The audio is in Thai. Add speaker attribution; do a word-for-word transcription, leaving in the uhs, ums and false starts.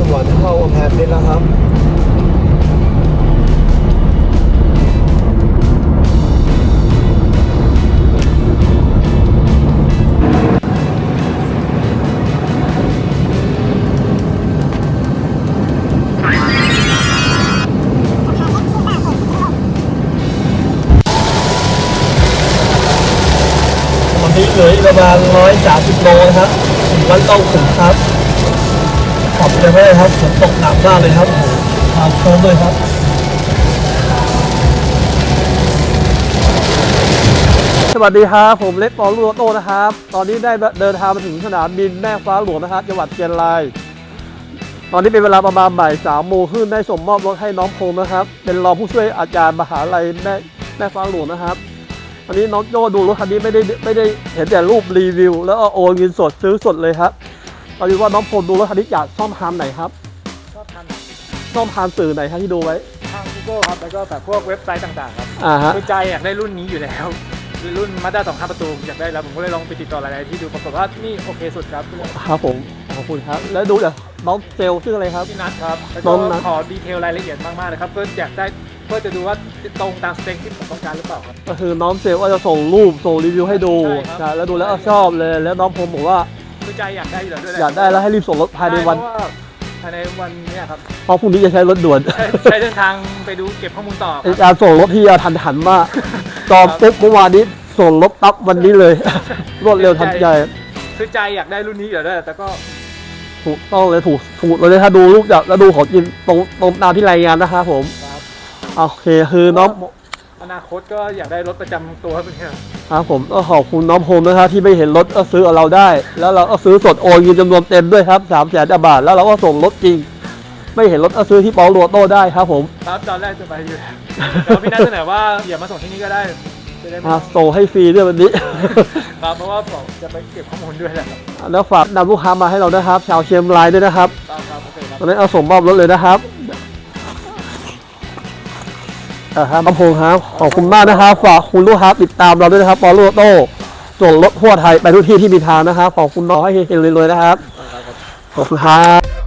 Speaker 1: สวรรค์เข้ากำแพงเพชรแล้วครับวันนี้เหลืออีกประมาณร้อยสามสิบโลนะครับถึงวันต้องถึงครับขอบใจมากครับฝนตกหนักมากเลยครับทางโค้งเลยครับสวัสดีครับผมเล็กปอลูโตนะครับตอนนี้ได้เดินทางมาถึงสนามบินแม่ฟ้าหลวงนะครับจังหวัดเชียงรายตอนนี้เป็นเวลาประมาณบ่ายสามโมงครึ่งได้ส่งมอบรถให้น้องพงษ์นะครับเป็นรองผู้ช่วยอาจารย์มหาลัยแม่แม่ฟ้าหลวงนะครับตอนนี้น้องโจ้ดูรถคันนี้ไม่ได้ไม่ได้เห็นแต่รูปรีวิวแล้วก็โอนเงินสดซื้อสดเลยครับตอนนี้ว่าน้องพงษ์ดูรถคันนี้จากช่องทางไหนครับ
Speaker 2: ชอบทาน
Speaker 1: ช่องทางสื่อไหนครับที่ดูไว้
Speaker 2: ทาง Google ครับแล้วก็แบบพวกเว็บไซต์ต่างๆครับ
Speaker 1: อ่าฮะ
Speaker 2: คือใจอยากได้รุ่นนี้อยู่แล้วคือรุ่น Mazda สองห้าประตูอยากได้แล้วผมก็เลยลองไปติดต่อหลายๆที่ดูปรากฏว่านี่โอเคสุดครับ
Speaker 1: ครับผมขอบคุณครับแล้วดูจากน้องเซลล์ชื่ออะไรครับ
Speaker 2: พี่นัทครับแล้วก็ขอดีเทลรายละเอียดมากๆเลยครับเพื่ออยากได้เพื่อจะดูว่าตรงตามสเปคที่ผมต้องการหรือเปล่าครับ
Speaker 1: ก็คือน้องเซลล์ก็จะส่งรูปส่งรีวิวให้ดูแล้วดูแล้วชอบเลยแล้วน้องผมบอกว่า
Speaker 2: คือใจอยากได้อยู่แล้วด้วย
Speaker 1: อยากได้แล้วให้รีบส่งรถภายในวัน
Speaker 2: ภายในวันนี้ครับ
Speaker 1: เพราะพรุ่งนี้จะใช้รถด่วน
Speaker 2: ใช้เดินทางไปดูเก็บข้อมูลต่อ
Speaker 1: การส่งรถที่ทันหันมากจองปุ๊บเมื่อวานนี้ส่งรถปั๊บวันนี้เลยรวดเร็วทันใจ
Speaker 2: คือใจอยากได้รุ่นนี้อยู่แล้วแต่ก็
Speaker 1: ถูกต้องเลยถูกถูกเลยถ้าดูรูปจากแล้วดูของจริงตรงตรงตามที่รายงานนะครับผมโอเคคือน้อง
Speaker 2: อนาคตก็อยากได้รถประจำตัวเป็นไง
Speaker 1: ครับผมก็ขอบคุณน้องโฮมนะครับที่ไม่เห็นรถก็ซื้อกับเราได้แล้วเราก็ซื้อสดโอนเงินจำนวนเต็มด้วยครับสามแสนบาทแล้วเราก็ส่งรถจริงไม่เห็นรถก็ซื้อที่ปอลูโตได้ครับผม
Speaker 2: ครับตอนแรกจะไปอยู่แต่พี่นัทเสนอว่าอย่ามาส่งที่นี่ก็ได้
Speaker 1: มาส่งให้ฟรีด้วยวันนี้
Speaker 2: ครับเพราะว่าผมจะไปเก็บข้อมูลด้วยแหละ
Speaker 1: แล้วฝากนำลูกค้ามาให้เรานะครับชาวเชียงรายด้วยนะครับตอนนี้เอาส่งมอบรถเลยนะครับอ่าครับน้องพงษ์ครับขอบคุณมากนะครับฝากคุณลูกค้าติดตามเราด้วยนะครับปอลูโตส่งรถทั่วไทยไปทุกที่ที่มีทางนะครับขอบคุณน้องให้เฮงๆเลยๆนะครับขอบคุณครับ